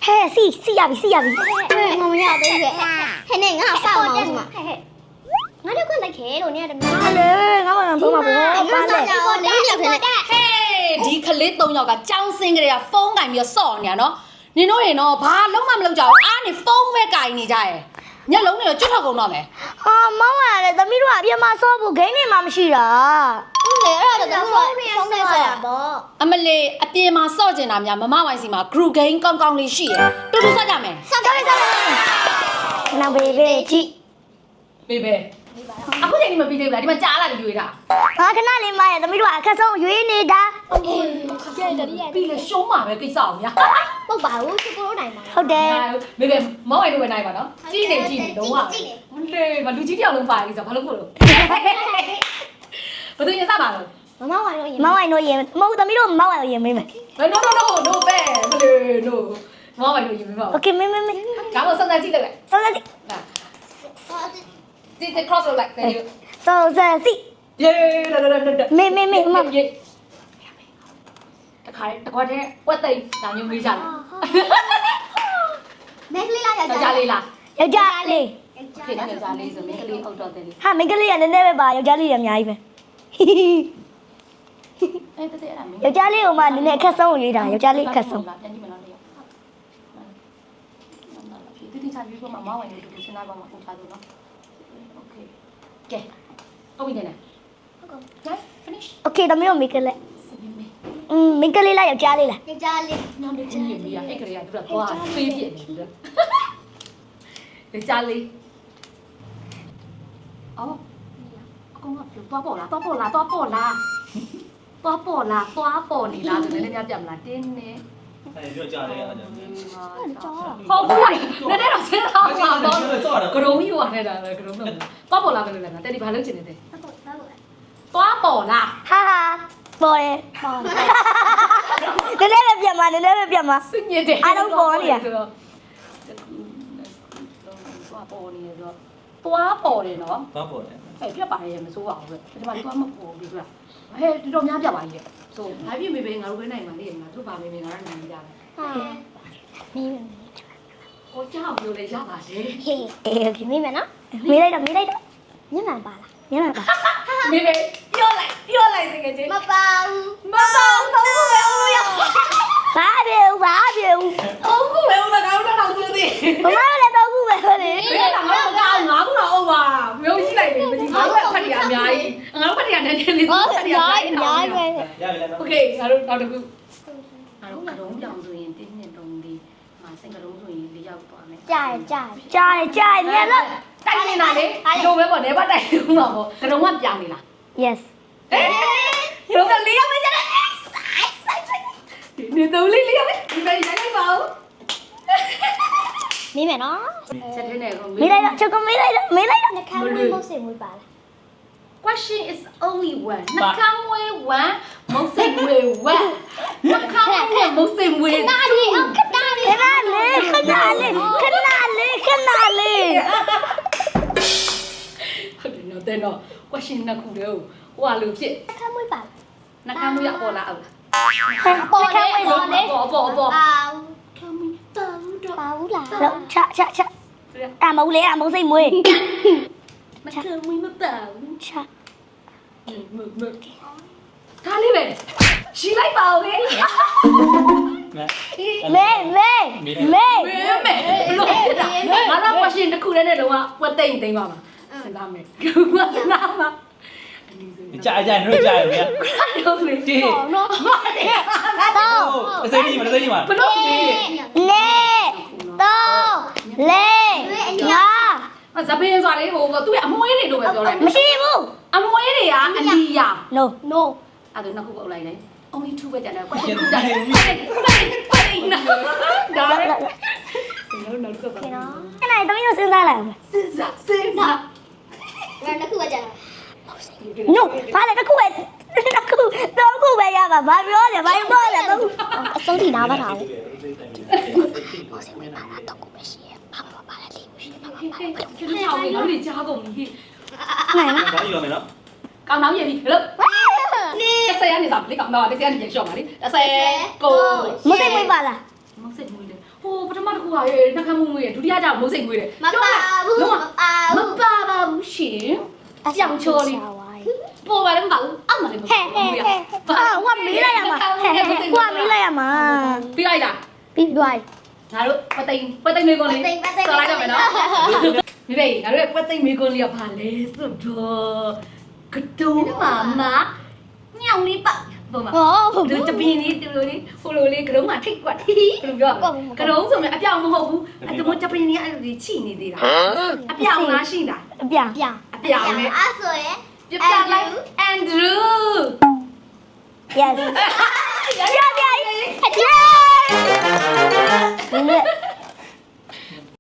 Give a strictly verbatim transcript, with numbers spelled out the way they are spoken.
嘿，是是呀比是呀比。 我们要的是，嘿，那俺啥毛子嘛？我就看那开了，你的。 好嘞，我们帮忙帮忙。 你啥家伙？你你看。 嘿，ဒီကလေးသုံးယောက်ကကြောင်းစင်းကလေးကဖုန်းကင်ပြီးဆော့နေရနော်နင်တို့ရေနော်ဘာလုံးမမလုပ်ကြဘူးအားနေဖုန်းပဲကင်နေကြရဲ့ညလုံးနေတော့ကျွတ်ထောက်ကုန်တော့မယ်啊，妈妈嘞，咱们说别嘛少不给你妈妈去啦。 你那个都说风吹呀不？ အမလေးအပြေမှာဆော့ကျင်တာများမမဝိုင်းစီမှာ group game ကောင်းကောင်းလေးရှိရတူတူဆော့ကြမယ်上来上来。那贝贝去。 ဘေးပဲအခုချိန်ဒီမပြီးသေးဘူးလားဒီမှာကြားလာပြီးရွေးတာ啊，看那里嘛呀，咱们说看上约你的。 ပြီးလေရှုံးမှာပဲကိစ္စအောင်များ不把我去过来嘛。 ဟုတ်တယ်ဘေးပဲမောင်းဝိုင်းတို့ပဲနိုင်ပါနော်ကြီးနေကြီးနေလုံးဝမလေးမလူကြီးတယောက်လုံးပါလိမ့်ဆိုဘာလို့ကိုလို့ဘယ်သူရင်စပါလို့妈妈玩了也。 妈妈侬也，妈咱们说妈妈也没没。 no no no no ပဲမလေး no မောင်းဝိုင်းတို့ရင်မပါဘူး OK，没没没。 ဒါမှစမ်းစမ်းကြည့်လိုက်上来去。 ဒီဒီ cross လုပ်လိုက် thank you 上来去。 ယေလာလာလာ没没没妈。 တခါတခါတည်းဝက်သိမ်းဒါမျိုးမေးကြတယ်没可以啦， ယောက်ျားလေးလားယောက်ျားလေးခေယောက်ျားလေးဆိုမင်းကလေးအောက်တော့တယ်လေဟာမိန်းကလေးကနည်းနည်းပဲပါယောက်ျားလေးကအများကြီးပဲအဲ့တတဲ့အဲ့ဒါမင်းယောက်ျားလေးကမှနည်းနည်းအခက်ဆုံးကိုရွေးတာယောက်ျားလေးအခက်ဆုံးပြန်ကြည့်မလားလေတိတိကျကျပြောမှာမဝင်လို့ဒီစနေပါမှာပုံချလို့နော်โอเคကဲဟုတ်ပြီနဲ့ guys finish Okay ဒါမျိုးမိန်းကလေးอืมမိန်းကလေးလားယောက်ျားလေးလား你家里。 ညောင်းတဲ့ချင်းကြီးပြီးရအဲ့ကလေးကသူကသွားဖေးပြစ်နေပြီလေကြားလေးအော်အကောင်ကပြောသွားပေါ်လားသွားပေါ်လားသွားပေါ်လားသွားပေါ်လားသွားပေါ်နေလားဆိုလည်းလည်းပြတ်မလားတင်းနေ哎，不要加这个， ဟုတ်ဘူးနည်းနည်းတော့စဉ်းစားပါတော့ကရုံးယူရတယ်လားကရုံးတော့သွားပေါ်လားကလေးလားတဲ့ဒီဘာလုပ်ချင်နေတယ်သွားပေါ်လားဟာဟာပေါ်တယ်ပေါ်တယ်နည်းနည်းပဲပြတ်မှာနည်းနည်းပဲပြတ်မှာစညစ်တယ်အားလုံးပေါ်နေရသွားပေါ်နေရတော့သွားပေါ်တယ်နော်八宝的。 အဲ့ပြတ်ပါရဲ့မစိုးပါဘူးပဲဒီမှာသွားမပေါ်ဘူးကွာဟဲ့တော်တော်များပြတ်ပါကြီးလေဆိုဘာဖြစ်မေပဲငါတို့ပဲနိုင်ပါလေငါတို့ပါမေမေငါတို့နိုင်ကြတယ်你ဟိုကြောက်ပြောလေရပါတယ်嘿， အေး Okay 你们呢？ မေးလိုက်တော့မေးလိုက်တော့你们罢了。 ညနေပါမေမေပြောလိုက်ပြောလိုက်တကယ်ချင်း妈包。 မတော်တော့ဘူးပဲဦးလို့ရဘာပြေဦးဘာပြေဦးအောင်ဘူးပဲဦးလားငါတို့တော့ဆိုသေးမမလည်းတော့ဘူးပဲဟုတ်တယ်ဘယ်တော့မှမကောင်းငါခုတော့အောင်ပါမျိုးရှိလိုက်တယ်မကြည့်ငါတို့ဖတ်ရအများကြီးငါတို့ဖတ်ရနည်းနည်းလေးဖတ်ရအများကြီး要不然呢？ โอเคငါတို့နောက်တစ်ခုငါတို့ကရုံးကြောင်ဆိုရင်တင်းနှစ်တုံးလေးငါစိတ်ကရုံးဆိုရင်လေးရောက်သွားမယ်加一加。 ကြားတယ်ကြားတယ်မြန်လို့တိုက်နေတာလေလိုပဲပေါ့နေပါတိုက်လို့မှာပေါ့ကရုံးကပြောင်းနေလား Yes ဟဲ့ရုံးကလေးရောက်မကြတယ်ဆိုင်ဆိုင်ဆိုင်နေတော့လေးလေးရောက်ဒီပဲရိုက်လိုက်ပါဦး你们呢？ ချက်ထဲနဲ့ကိုမေးလိုက်တော့ချုပ်ကမေးလိုက်တော့မေးလိုက်တော့那看我没谁没罢了。 question is only one နှကမ်းဝဲ one မုတ်စိမ်ဝဲ one နှကမ်းဝဲမုတ်စိမ်ဝဲ哪里？看哪里？ ခဏလေးခဏလေးခဏလေးခဏလေးဟုတ်တယ်နော်တဲ့နော် question နှစ်ခုတည်းဟိုဟာလို့ဖြစ်看没罢了。 နှကမ်းဝဲပေါ်လာအောင်包嘞包嘞。 ပေါ်ပေါ်ပေါ်包。 ကမ်းဝဲတောင်းတော့包啦。 တော့ချချချအမဦးလေးအမုံစိတ်မွေးနှကမ်းဝဲမတောင်းချမမကားလေးပဲရှင်းလိုက်ပါဦးလေမေမေမေမဲမဲဘလို့ဖြစ်တာငါတော့ question တစ်ခုတည်းနဲ့လုံးဝဝက်သိမ့်သိမ့်ပါမှာစဉ်းစားမယ်ငါစဉ်းစားမှာ你加一加，你说加有没有？ ဟုတ်လေဒီ哦喏。 တော့哦，这你嘛，这你嘛。 ဘလို့ဒီနေတော့လေးငါဇပင်းဆိုတာလေဟိုသူ့ရဲ့အမွှေးတွေလို့ပဲပြောလိုက်မရှိဘူးအမွှေးတွေကအလီယာ no No. အဲ့ဒါနှစ်ခုပုတ်လိုက်တယ် only two ပဲကျန်တယ် question 2တယ်ပတ်ပတ်နာဒါလေနော်နော်ကပါ Okay 喏。 အဲ့ဒါတမီးတို့စဉ်းစားလိုက်အောင်စဉ်းစားစဉ်းစား那那去我家。 no ဘာလဲတစ်ခုပဲတစ်ခုတော့ခုပဲရပါဘာပြောလဲဘာပြောလဲတော့身体拿不着。 ကျင်းအောင်လေလို့ကြားကုန်ပြီနိုင်လား搞一个没了。 ကောင်းတော့ရပြီလို့တစ်ဆယ်ကနေစားလေကောင်းတော့တစ်ဆယ်ကနေရှော့ပါလေတစ်ဆယ်ကိုမစိတ်မွေးပါလားမစစ်မွေးလေဟိုပထမကူဟာရေနှခမ်းမှုမွေးရဒုတိယကြောင့်မိုးစိတ်မွေးတယ်မပါဘူးမပါမဘူးပါပါဘူးရှင်ကြောင်ချော်လေးပေါ်ပါလည်းမပါဘူးအမှလည်းမပါဘူးဟာဝါမီးလိုက်ရမှာဝါမီးလိုက်ရမှာပြီးလိုက်လားပြီးသွားငါတို့ပသိမ်ပသိမ်မေကွန်လေးဆော်လိုက်ကြမယ်နော်ဒီလေငါတို့ပသိမ်မေကွန်လေးကဘာလဲဆိုတော့ကတုံးမာမညောင်လေးပါပေါ်မှာဟောဒီတပင်းလေးဒီလိုလေးဟိုလိုလေးကတုံးမှာထိတ်ကွက်ဘယ်လိုပြောကတုံးဆိုရင်အပြောင်မဟုတ်ဘူးအဲ့ဒါတပင်းလေးအဲ့လိုချိနေသေးတာအပြောင်လားရှိတာအပြန်ပြန်အပြောင်နဲ့အဲ့ဆိုရင်ပြပြလိုက်အန်ဒရူး yes ရရရအကျဲဒီနေ့